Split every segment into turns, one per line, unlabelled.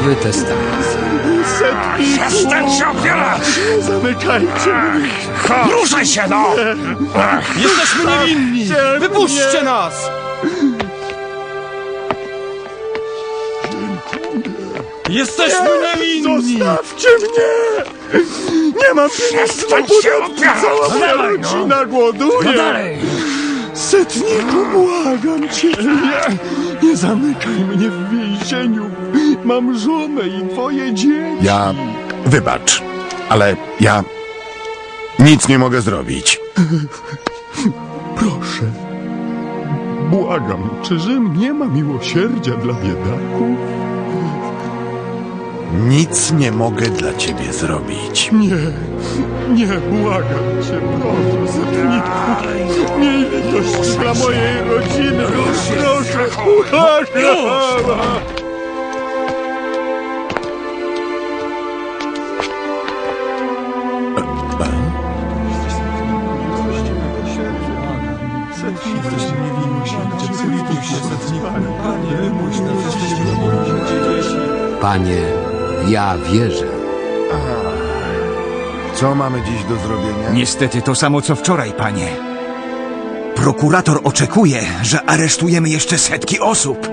Nowy Testament.
Przestań się opierać!
Zamykajcie mnie!
Ruszaj się, no!
Jesteśmy niewinni! Wypuśćcie nas! Jesteśmy niewinni!
Zostawcie mnie! Nie mam pieniędzy na
Przestań się
podatki,
opierać!
cała moja
Dawaj, no.
rodzina głoduje!
No dalej!
Setniku, błagam cię! Nie zamykaj mnie w więzieniu! Mam żonę i 2 dzieci!
Wybacz, ale ja nic nie mogę zrobić.
Proszę, błagam, czy Rzym nie ma miłosierdzia dla biedaków?
Nic nie mogę dla ciebie zrobić.
Nie, błagam cię, proszę, setniku! Miej litość dla mojej rodziny! Proszę, błagam!
Panie, ja wierzę.
Co mamy dziś do zrobienia?
Niestety to samo co wczoraj, panie. Prokurator oczekuje, że aresztujemy jeszcze setki osób.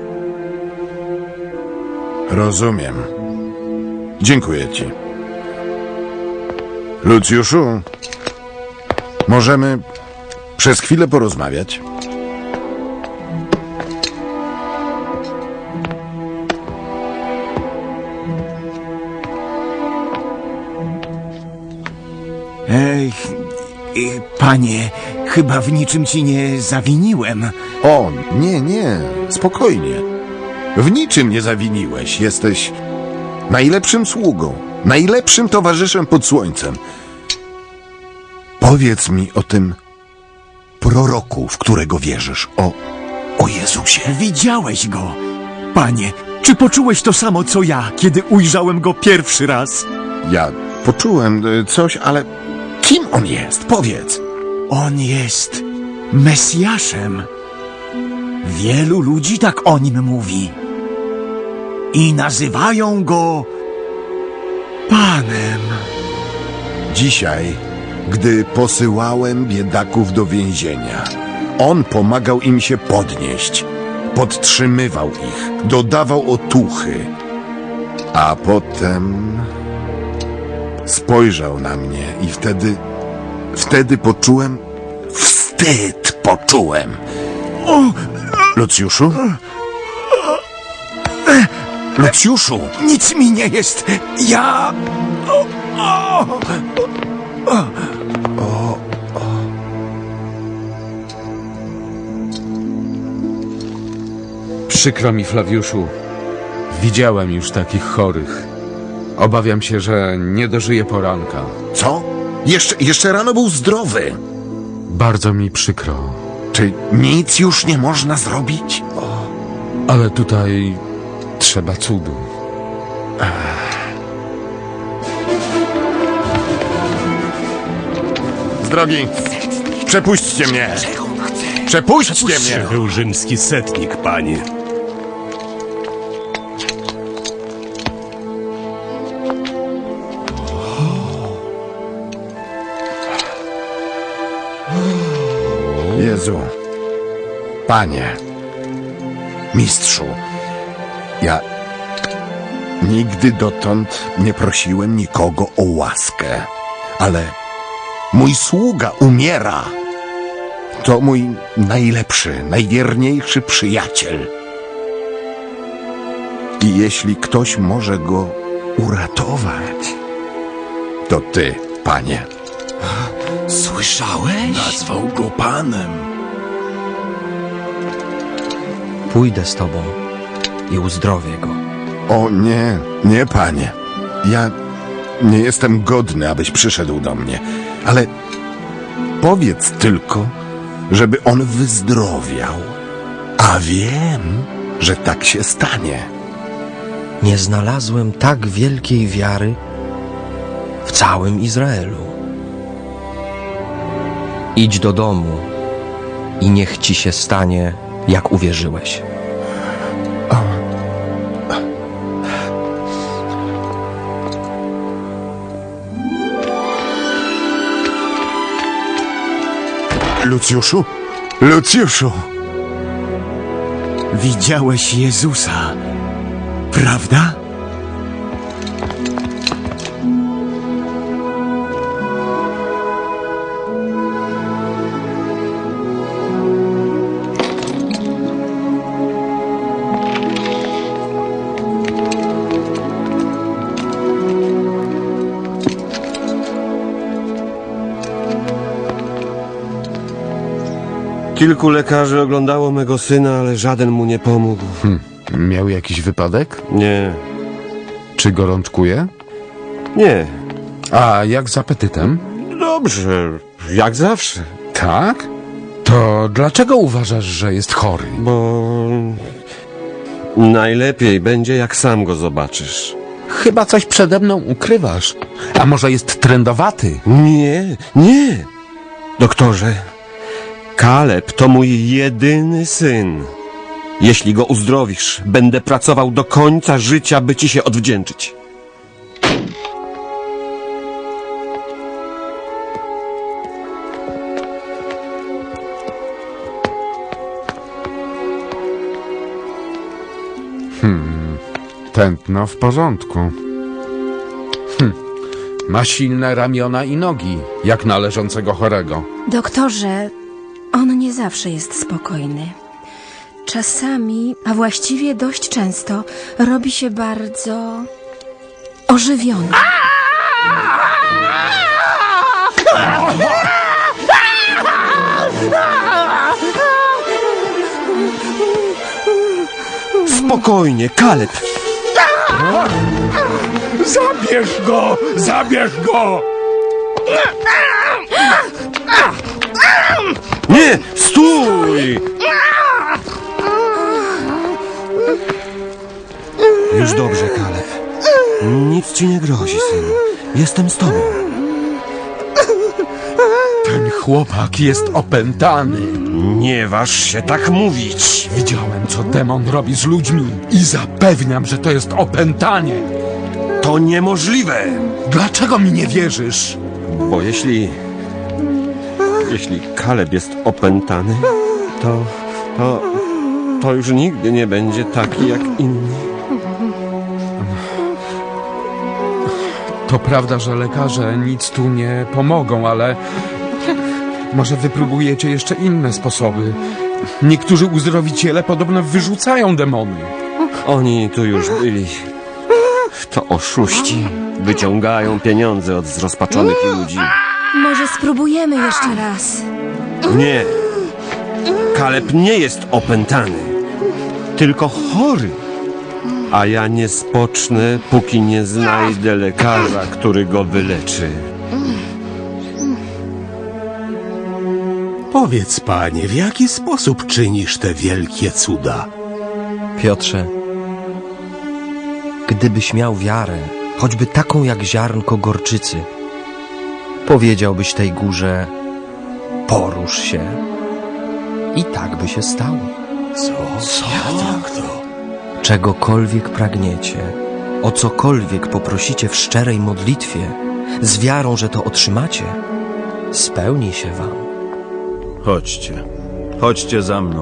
Rozumiem. Dziękuję ci. Lucjuszu, możemy przez chwilę porozmawiać?
Panie, chyba w niczym ci nie zawiniłem.
O, nie, spokojnie. W niczym nie zawiniłeś. Jesteś najlepszym sługą, najlepszym towarzyszem pod słońcem. Powiedz mi o tym proroku, w którego wierzysz, o Jezusie.
Widziałeś go. Panie, czy poczułeś to samo co ja, kiedy ujrzałem go pierwszy raz?
Ja poczułem coś, ale kim on jest? Powiedz.
On jest Mesjaszem. Wielu ludzi tak o nim mówi. I nazywają go Panem.
Dzisiaj, gdy posyłałem biedaków do więzienia, on pomagał im się podnieść, podtrzymywał ich, dodawał otuchy, a potem spojrzał na mnie i wtedy poczułem, wstyd poczułem. Lucjuszu? Lucjuszu!
Nic mi nie jest. Ja...
Przykro mi, Flawiuszu. Widziałem już takich chorych. Obawiam się, że nie dożyję poranka.
Co? Jeszcze rano był zdrowy.
Bardzo mi przykro.
Czy nic już nie można zrobić?
Ale tutaj trzeba cudu.
Z drogi, przepuśćcie mnie! Przepuśćcie mnie!
Był rzymski setnik, panie.
Jezu, Panie, Mistrzu, ja nigdy dotąd nie prosiłem nikogo o łaskę, ale mój sługa umiera. To mój najlepszy, najwierniejszy przyjaciel. I jeśli ktoś może go uratować, to Ty, Panie.
Słyszałeś?
Nazwał go panem.
Pójdę z tobą i uzdrowię go.
O nie, Panie. Ja nie jestem godny, abyś przyszedł do mnie, ale powiedz tylko, żeby on wyzdrowiał. A wiem, że tak się stanie.
Nie znalazłem tak wielkiej wiary w całym Izraelu. Idź do domu i niech ci się stanie, jak uwierzyłeś.
Lucjuszu? Lucjuszu!
Widziałeś Jezusa, prawda?
Kilku lekarzy oglądało mego syna, ale żaden mu nie pomógł.
Miał jakiś wypadek?
Nie,
Czy gorączkuje?
nie.
A jak z apetytem?
Dobrze, jak zawsze.
Tak? To dlaczego uważasz, że jest chory?
Bo najlepiej będzie, jak sam go zobaczysz.
Chyba coś przede mną ukrywasz. A może jest trędowaty?
Nie, nie. Doktorze, Kaleb to mój jedyny syn. Jeśli go uzdrowisz, będę pracował do końca życia, by ci się odwdzięczyć.
Tętno w porządku. Ma silne ramiona i nogi, jak należącego chorego.
Doktorze, on nie zawsze jest spokojny. Czasami, a właściwie dość często, robi się bardzo ożywiony.
Spokojnie, Kaleb.
Zabierz go! Zabierz go!
Nie, stój! Już dobrze, Kaleb. Nic ci nie grozi, synu. Jestem z tobą.
Ten chłopak jest opętany.
Nie waż się tak mówić.
Widziałem, co demon robi z ludźmi i zapewniam, że to jest opętanie.
To niemożliwe.
Dlaczego mi nie wierzysz?
Bo jeśli Kaleb jest opętany, to już nigdy nie będzie taki jak inni.
To prawda, że lekarze nic tu nie pomogą, ale może wypróbujecie jeszcze inne sposoby. Niektórzy uzdrowiciele podobno wyrzucają demony.
Oni tu już byli. To oszuści. Wyciągają pieniądze od zrozpaczonych ludzi.
Może spróbujemy jeszcze raz.
Nie. Kaleb nie jest opętany, tylko chory. A ja nie spocznę, póki nie znajdę lekarza, który go wyleczy.
Powiedz, panie, w jaki sposób czynisz te wielkie cuda?
Piotrze, gdybyś miał wiarę, choćby taką jak ziarnko gorczycy, powiedziałbyś tej górze, porusz się i tak by się stało.
Co? Jak to?
Czegokolwiek pragniecie, o cokolwiek poprosicie w szczerej modlitwie, z wiarą, że to otrzymacie, spełni się wam.
Chodźcie za mną.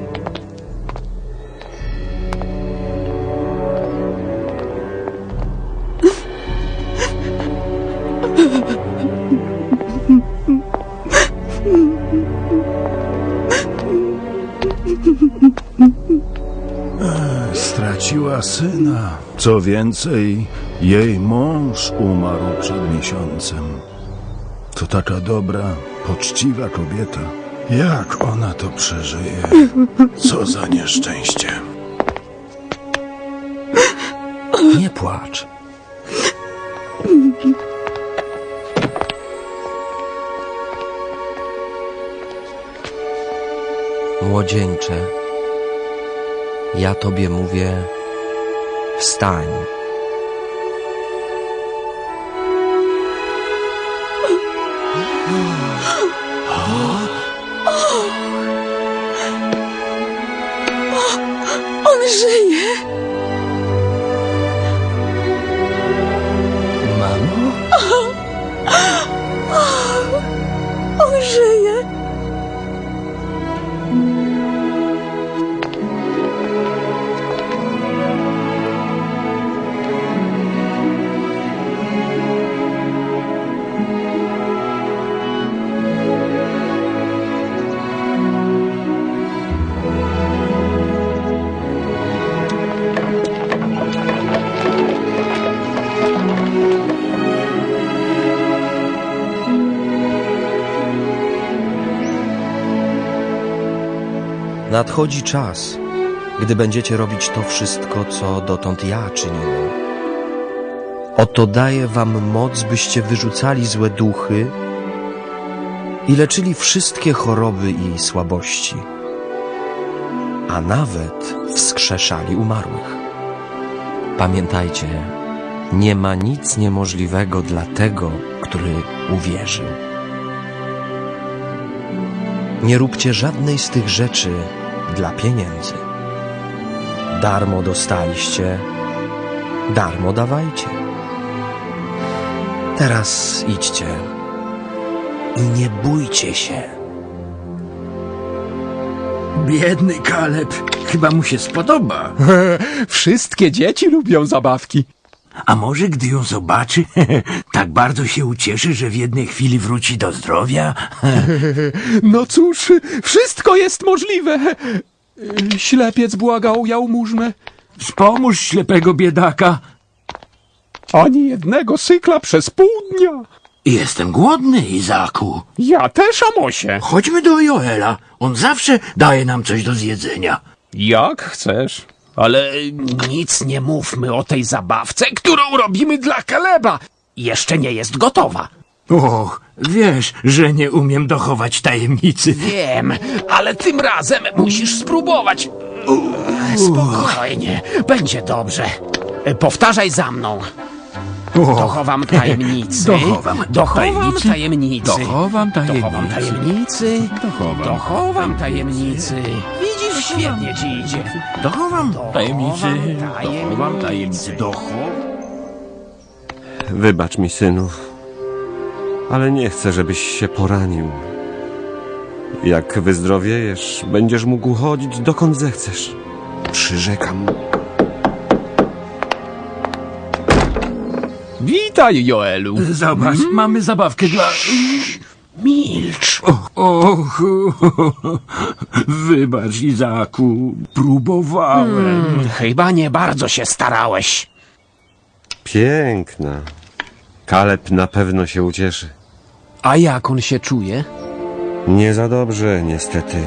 Straciła syna. Co więcej, jej mąż umarł przed miesiącem. To taka dobra, poczciwa kobieta. Jak ona to przeżyje? Co za nieszczęście.
Nie płacz. Młodzieńcze, ja tobie mówię, wstań.
On żyje!
Mamo?
On żyje!
nadchodzi czas, gdy będziecie robić to wszystko, co dotąd ja czyniłem. Oto daję wam moc, byście wyrzucali złe duchy i leczyli wszystkie choroby i słabości, a nawet wskrzeszali umarłych. Pamiętajcie, nie ma nic niemożliwego dla tego, który uwierzył. Nie róbcie żadnej z tych rzeczy dla pieniędzy. Darmo dostaliście, darmo dawajcie. Teraz idźcie i nie bójcie się.
Biedny Kaleb, chyba mu się spodoba.
Wszystkie dzieci lubią zabawki.
A może gdy ją zobaczy, tak bardzo się ucieszy, że w jednej chwili wróci do zdrowia?
No cóż, wszystko jest możliwe. Ślepiec błagał jałmużnę.
Wspomóż ślepego biedaka.
Ani jednego sykla przez pół dnia.
Jestem głodny, Izaku.
Ja też, Amosie.
Chodźmy do Joela. On zawsze daje nam coś do zjedzenia.
Jak chcesz. Ale nic nie mówmy o tej zabawce, którą robimy dla Kaleba. Jeszcze nie jest gotowa.
Och, wiesz, że nie umiem dochować tajemnicy.
Wiem, ale tym razem musisz spróbować. Spokojnie, będzie dobrze. Powtarzaj za mną. Dochowam tajemnicy.
Dochowam
tajemnicy.
Dochowam tajemnicy.
Dochowam tajemnicy. Dochowam tajemnicy. Widzisz, świetnie ci idzie.
Dochowam
tajemnicy.
Dochowam tajemnicy.
Wybacz mi, synu, ale nie chcę, żebyś się poranił. Jak wyzdrowiejesz, będziesz mógł chodzić dokąd zechcesz. Przyrzekam.
Witaj, Joelu.
Zobacz, mamy zabawkę dla...
Milcz.
Och, wybacz, Izaku, próbowałem.
Chyba nie bardzo się starałeś.
Piękna. Kaleb na pewno się ucieszy.
A jak on się czuje?
Nie za dobrze, niestety.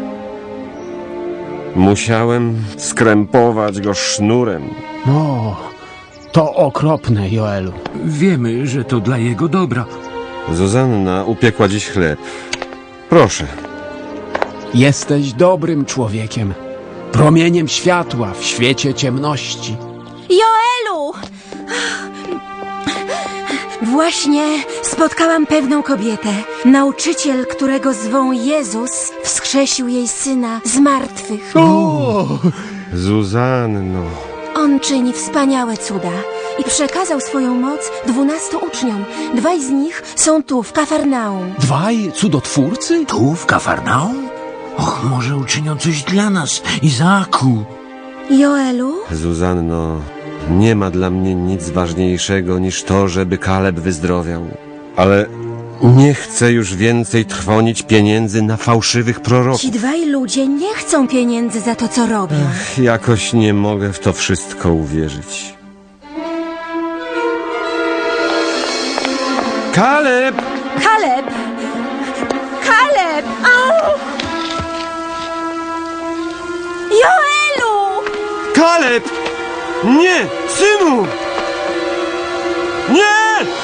Musiałem skrępować go sznurem.
No, to okropne, Joelu.
Wiemy, że to dla jego dobra.
Zuzanna upiekła dziś chleb. Proszę.
Jesteś dobrym człowiekiem. Promieniem światła w świecie ciemności.
Joelu! Właśnie spotkałam pewną kobietę. Nauczyciel, którego zwą Jezus, wskrzesił jej syna z martwych.
Zuzanno.
On czyni wspaniałe cuda i przekazał swoją moc 12 uczniom. 2 z nich są tu, w Kafarnaum.
2 cudotwórcy?
Tu, w Kafarnaum? Och, może uczynią coś dla nas, Izaku.
Joelu?
Zuzanno, nie ma dla mnie nic ważniejszego niż to, żeby Kaleb wyzdrowiał. Ale nie chcę już więcej trwonić pieniędzy na fałszywych proroków.
Ci 2 ludzie nie chcą pieniędzy za to, co robią.
Jakoś nie mogę w to wszystko uwierzyć. Kaleb!
Kaleb! Kaleb! Au! Joelu!
Kaleb! Nie! Synu! Nie!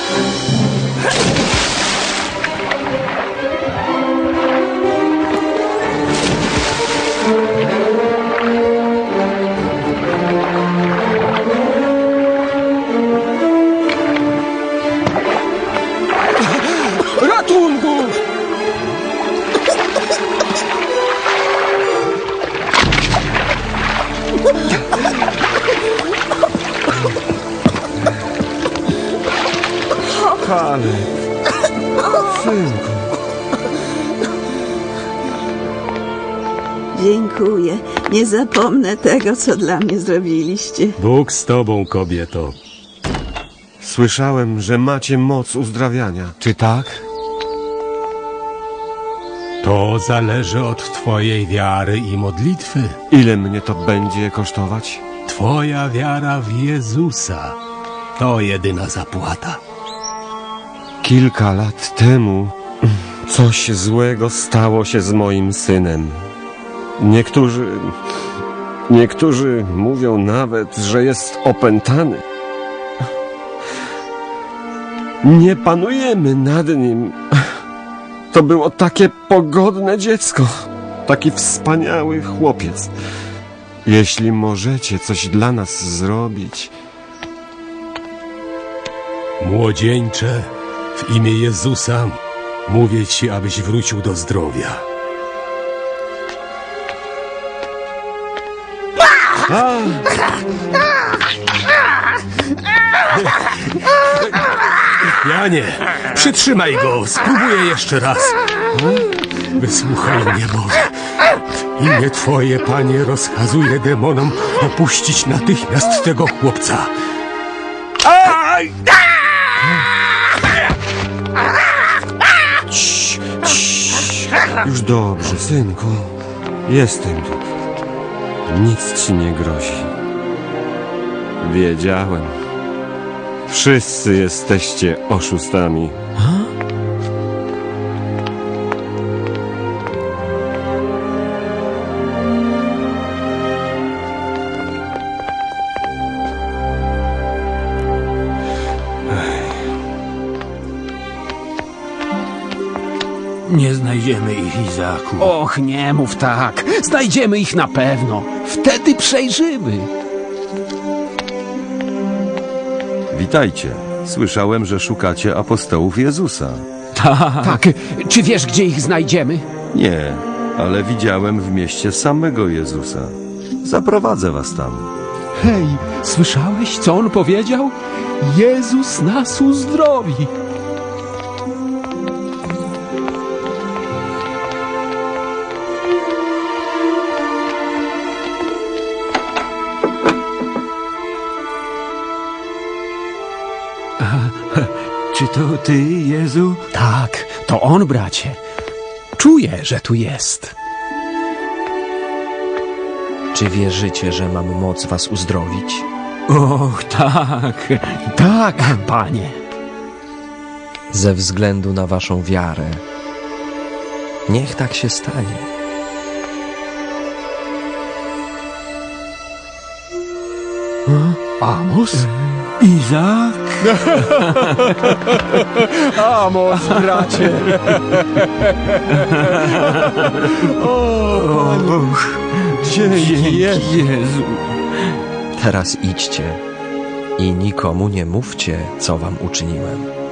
Ratunku!
Kaleb! Synku!
Dziękuję. Nie zapomnę tego, co dla mnie zrobiliście.
Bóg z tobą, kobieto.
Słyszałem, że macie moc uzdrawiania. Czy tak?
To zależy od twojej wiary i modlitwy.
Ile mnie to będzie kosztować?
Twoja wiara w Jezusa to jedyna zapłata.
Kilka lat temu coś złego stało się z moim synem. Niektórzy mówią nawet, że jest opętany. Nie panujemy nad nim. To było takie pogodne dziecko. Taki wspaniały chłopiec. Jeśli możecie coś dla nas zrobić...
Młodzieńcze, w imię Jezusa mówię ci, abyś wrócił do zdrowia. Janie, przytrzymaj go, spróbuję jeszcze raz. Wysłuchaj mnie, Boże. W imię Twoje, Panie, rozkazuję demonom opuścić natychmiast tego chłopca.
Już dobrze, synku. Jestem tu. Nic ci nie grozi. Wiedziałem. Wszyscy jesteście oszustami.
Nie znajdziemy ich, Izaku.
Och, nie mów tak. Znajdziemy ich na pewno. Wtedy przejrzymy.
Witajcie. Słyszałem, że szukacie apostołów Jezusa.
Tak. Czy wiesz, gdzie ich znajdziemy?
Nie, ale widziałem w mieście samego Jezusa. Zaprowadzę was tam.
Hej, słyszałeś, co on powiedział? Jezus nas uzdrowi.
Czy to ty, Jezu?
Tak, to on, bracie. Czuję, że tu jest.
Czy wierzycie, że mam moc was uzdrowić?
Och, tak. Tak, panie.
Ze względu na waszą wiarę. Niech tak się stanie.
Amos?
Izak?
Amos, bracie.
Dzięki Jezu.
Teraz idźcie i nikomu nie mówcie, co wam uczyniłem.